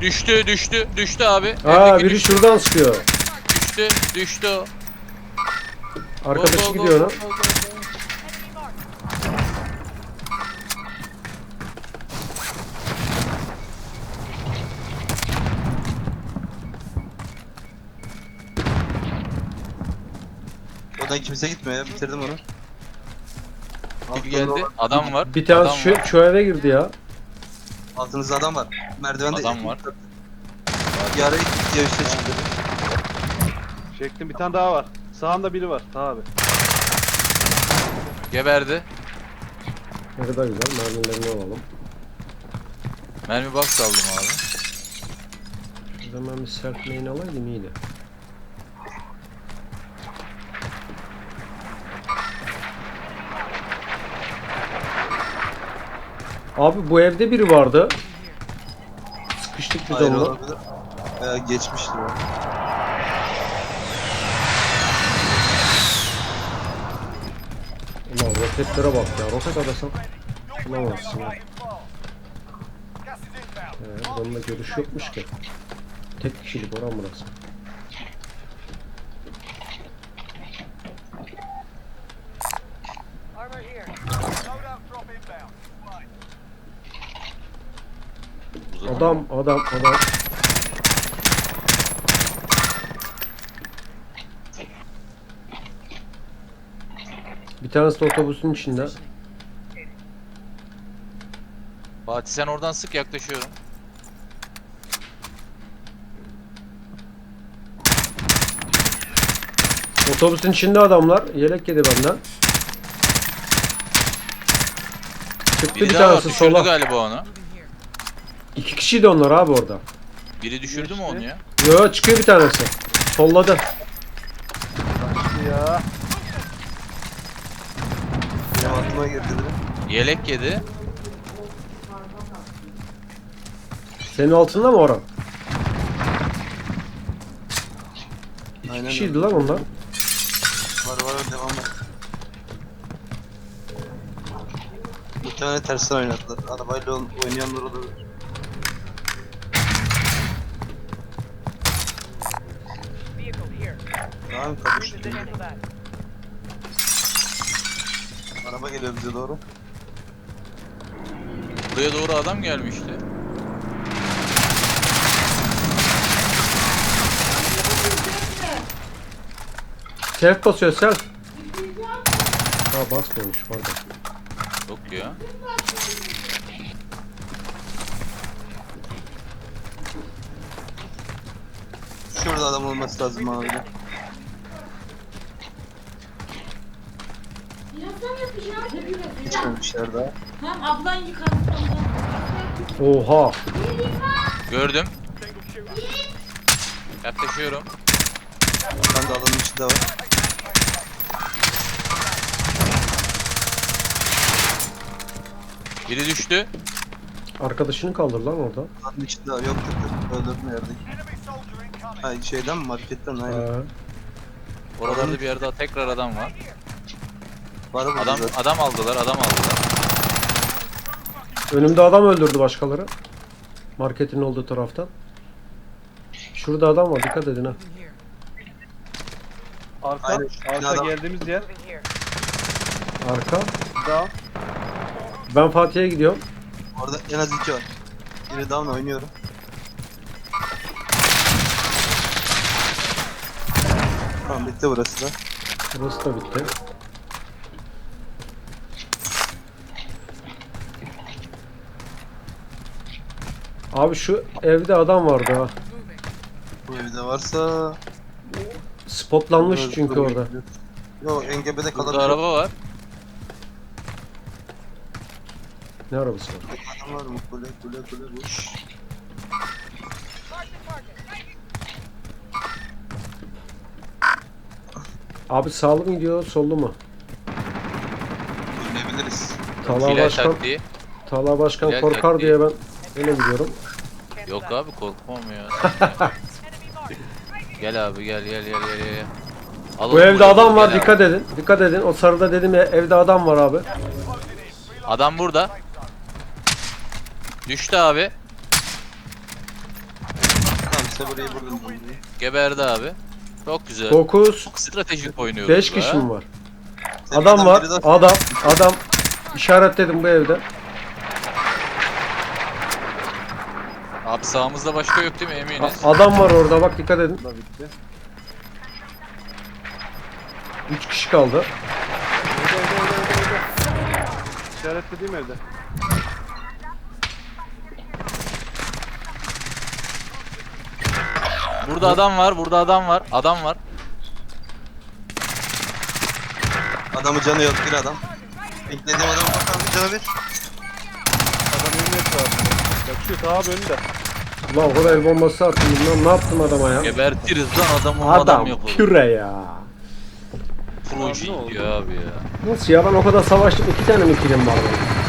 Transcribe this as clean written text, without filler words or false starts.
Düştü abi. Aa, Evdeki biri şuradan sıkıyor. düştü o. Arkadaşı Go, go, gidiyor go, ona. go, go, go. Oradan kimse gitmiyor ya. Bitirdim onu. Biri geldi. Adam var. Bir tanesi Adam var. şu eve girdi ya. Altınızda adam var. Merdivende Adam var. Bir ara gitti ya üstte çıktı. Çektim, bir tane daha var. Sağında biri var. Taha abi. Geberdi. Ne kadar güzel, mermilerini alalım. Mermi box aldım abi. O zaman bir self main alaydım iyiydi. Abi bu evde biri vardı. Sıkıştık biz Hayır onunla. olabilir. Veya geçmiştir o. Ulan roketlere bak ya. Roket adasam bulamazsın ya. Bununla görüş yokmuş ki. Tek kişilik oran burası. Adam. Bir tanesi de otobüsün içinde. Fatih sen oradan sık, yaklaşıyorum. Otobüsün içinde adamlar. Yelek yedi benden. Çıktı Biri bir daha var, tanesi düşürdü sola. galiba onu. İki kişiydi onlar abi orada. Biri düşürdü mü onu ya? Yo, çıkıyor bir tanesi. Solladı. Kaçtı ya. Benim aklıma girdi dedim. Yelek yedi. Senin altında mı Orhan? İki Aynen kişiydi öyle. lan onlar. Var devam var. Muhtemelen tersten oynadılar. Arabayla oynayanlar olabilir. Tamam kapıştı. Araba geliyor bize doğru. Buraya doğru adam gelmişti. Self basıyor self. Ha, basmıyormuş pardon. Yok ya. Şurada adam olması lazım abi. Geçmemişler daha. Tamam ablan yıkadı. Oha. Gördüm. Yaklaşıyorum. Ben de alanın içinde var. Biri düştü. Arkadaşını kaldır lan orada. Alanın içinde var. Yok. Öldürdüm yerdeki. Ha şeyden mi? Marketten aynen. Oralarda bir yerde daha tekrar adam var. Var mı Adam zaten? adam aldılar. Önümde adam öldürdü başkaları. Marketin olduğu taraftan. Şurada adam var, dikkat edin ha. Arka. Aynen, Arka adam. geldiğimiz yer. Arka. Down. Ben Fatih'e gidiyorum. Orada en az 2 var. Biri down oynuyorum. Tamam bitti burası da. Burası da bitti. Abi şu evde adam vardı ha. Bu evde varsa... Spotlanmış çünkü orada. Yo engebede Burada kalabilir. araba var. Ne arabası var? Adam var mı? Kule boş. Abi sağlı mı gidiyor, sollu mu? Oynayabiliriz. Talha Hilal Başkan, taktiği. Talha Başkan Hilal korkar taktiği. diye ben öyle gidiyorum. Yok abi, korkmam ya. Gel abi gel. Bu Alalım evde burayı, adam var, gel abi. dikkat edin. Dikkat edin. O sarıda dedim ya, evde adam var abi. Adam burada. Düştü abi. Sabri'yi vurdum. Geberdi abi. Çok güzel. 9, Çok stratejik oynuyoruz 5 be. kişi mi var? Tepeden Adam var. biri daha- Adam. İşaretledim bu evde. Abi sağımızda başka yok değil mi eminiz? Adam var orada bak dikkat edin. Bu da bitti. 3 kişi kaldı. Evde. İşaretlediğim evde. Burada adam var, burada adam var. Adam var. Adamı canı yok bir adam. Beklediğim adam bakalım canı bir. Adam evin etrafında. Kaçıyor ta abi önünde. Ulan o kadar el bombası attım. Lan ne yaptım adama ya? Gebertiriz lan adamı adam Adam yapalım. püre ya. Proje Abi ne oldu? gidiyor abi ya. Nasıl ya ben o kadar savaştım 2 tane mi kilim var benim?